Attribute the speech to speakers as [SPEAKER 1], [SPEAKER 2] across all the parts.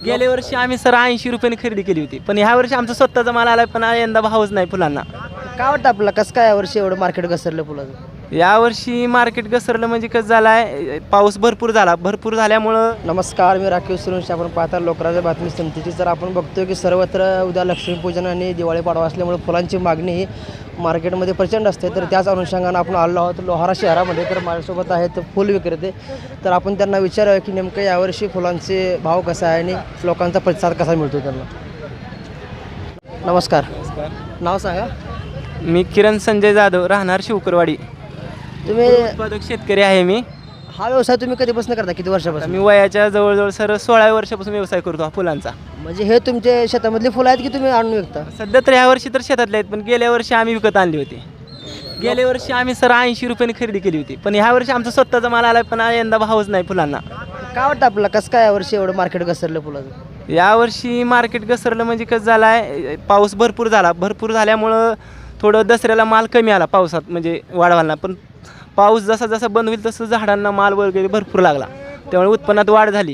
[SPEAKER 1] गेल्या वर्षी आम्ही सर 80 रुपयाने खरेदी केली होती, पण ह्या वर्षी आमचा स्वतःचा माल आला, पण यंदा भावच नाही फुलांना.
[SPEAKER 2] काय वाटतं आपल्याला कसं काय यावर्षी एवढं मार्केट घसरलं फुलाचं?
[SPEAKER 1] यावर्षी मार्केट घसरलं म्हणजे कसं झालं आहे, पाऊस भरपूर झाल्यामुळं.
[SPEAKER 2] नमस्कार, मी राखीव सुरेश. आपण पाहता लोकराज्य बातमी संतीची. तर आपण बघतोय की सर्वत्र उद्या लक्ष्मीपूजन आणि दिवाळी पाडवा असल्यामुळे फुलांची मागणी ही मार्केटमध्ये प्रचंड असते. तर त्याच अनुषंगानं आपण आलो आहोत लोहारा शहरामध्ये. तर माझ्यासोबत आहेत फुल विक्रेते. तर आपण त्यांना विचारूया की नेमकं यावर्षी फुलांचे भाव कसा आहे आणि लोकांचा प्रतिसाद कसा मिळतो त्यांना. नमस्कार, नाव सांगा.
[SPEAKER 1] मी किरण संजय जाधव, राहणार शिवकरवाडी.
[SPEAKER 2] तुम्ही
[SPEAKER 1] उत्पादक शेतकरी आहे मी.
[SPEAKER 2] हा व्यवसाय तुम्ही कधीपासून करता, किती वर्षापासून?
[SPEAKER 1] मी वयाच्या जवळजवळ सर 16 वर्षापासून व्यवसाय करतो हा फुलांचा.
[SPEAKER 2] म्हणजे हे तुमचे शेतामधली फुलं आहेत की तुम्ही आणून विकता?
[SPEAKER 1] सध्या तर ह्या वर्षी तर शेतातले आहेत, पण गेल्या वर्षी आम्ही विकत आणली होती. गेल्या वर्षी आम्ही सर 80 रुपयाने खरेदी केली होती, पण ह्या वर्षी आमचा स्वतःचा माल आला, पण यंदा भावच नाही फुलांना.
[SPEAKER 2] काय वाटतं आपल्याला कसं काय यावर्षी एवढं मार्केट घसरलं फुलाचं?
[SPEAKER 1] यावर्षी मार्केट घसरलं म्हणजे कसं झालं आहे, पाऊस भरपूर झाल्यामुळं थोडं दसऱ्याला माल कमी आला पावसात, म्हणजे वाढवायला. पण पाऊस जसा जसा बंद होईल तसं झाडांना माल वगैरे भरपूर लागला, त्यामुळे उत्पन्नात वाढ झाली.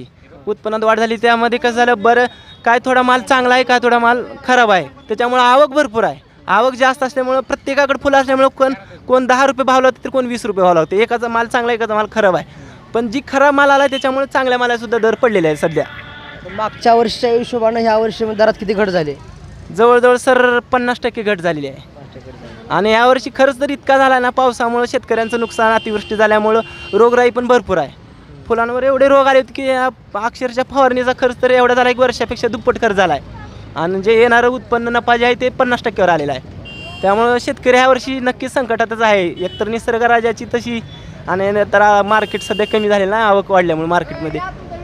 [SPEAKER 1] त्यामध्ये कसं झालं, बरं काय थोडा माल चांगला आहे, काय थोडा माल खराब आहे. त्याच्यामुळं आवक भरपूर आहे. आवक जास्त असल्यामुळं प्रत्येकाकडे फुलं असल्यामुळं कोण 10 रुपये भाव लावते तर कोण 20 रुपये भाव लावते. एकाचा माल चांगला, एकाचा माल खराब आहे. पण जी खराब माल आला त्याच्यामुळे चांगल्या मालासुद्धा दर पडलेले आहे सध्या.
[SPEAKER 2] मागच्या वर्षीच्या हिशोबानं ह्या वर्षी दरात किती घट झाली?
[SPEAKER 1] जवळजवळ सर 50% घट झालेली आहे. आणि यावर्षी खर्च तर इतका झाला ना, पावसामुळं शेतकऱ्यांचं नुकसान, अतिवृष्टी झाल्यामुळं रोगराई पण भरपूर आहे. फुलांवर एवढे रोग आले होते की अक्षरशः फवारणीचा खर्च तर एवढा झाला, 1 वर्षापेक्षा दुप्पट खर्च झाला आहे. आणि जे येणारं उत्पन्न नफा जे आहे ते 50%वर आलेलं आहे. त्यामुळं शेतकरी ह्या वर्षी नक्कीच संकटातच आहे. एकतर निसर्गराजाची तशी, आणि तर मार्केट सध्या कमी झालेलं आहे आवक वाढल्यामुळे मार्केटमध्ये.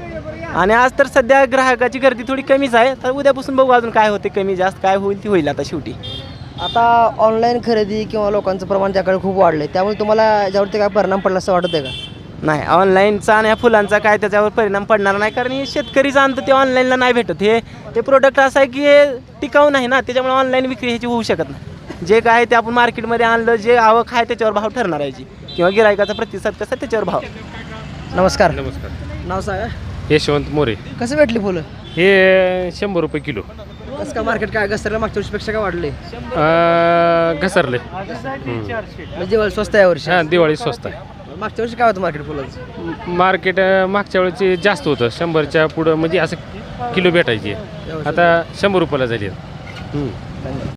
[SPEAKER 1] आणि आज तर सध्या ग्राहकाची गर्दी थोडी कमीच आहे. तर उद्यापासून बघू अजून काय होते, कमी जास्त काय होईल ती होईल आता शेवटी.
[SPEAKER 2] आता ऑनलाईन खरेदी किंवा लोकांचं प्रमाण त्याकडे खूप वाढलं आहे, त्यामुळे तुम्हाला याच्यावरती काय परिणाम पडला असं वाटत आहे का?
[SPEAKER 1] नाही, ऑनलाईनचा आणि ह्या फुलांचा काय त्याच्यावर परिणाम पडणार नाही, कारण हे शेतकरी जाणतं ते ऑनलाईनला नाही भेटत. हे प्रोडक्ट असं आहे की हे टिकाऊ नाही ना, त्याच्यामुळे ऑनलाईन विक्री ह्याची होऊ शकत नाही. जे काय ते आपण मार्केटमध्ये आणलं, जे आवक आहे त्याच्यावर भाव ठरणार आहे, किंवा गिरायकाचा प्रतिसाद कसा त्याच्यावर भाव.
[SPEAKER 2] नमस्कार,
[SPEAKER 3] नमस्कार.
[SPEAKER 2] नाव सांगा.
[SPEAKER 3] यशवंत मोरे.
[SPEAKER 2] कसं भेटली फुलं?
[SPEAKER 3] हे 100 रुपये किलो.
[SPEAKER 2] कसं काय मार्केट काय घसरलं, मागच्या वर्षीपेक्षा काय वाढले?
[SPEAKER 3] घसरले.
[SPEAKER 2] म्हणजे दिवाळी स्वस्त आहे यावर्षी?
[SPEAKER 3] हां, दिवाळी स्वस्त आहे.
[SPEAKER 2] मागच्या वर्षी काय होतं मार्केट फुलाचं?
[SPEAKER 3] मार्केट मागच्या वेळेची जास्त होतं, 100च्या पुढं म्हणजे असं किलो भेटायची. आता 100 रुपयाला झाली.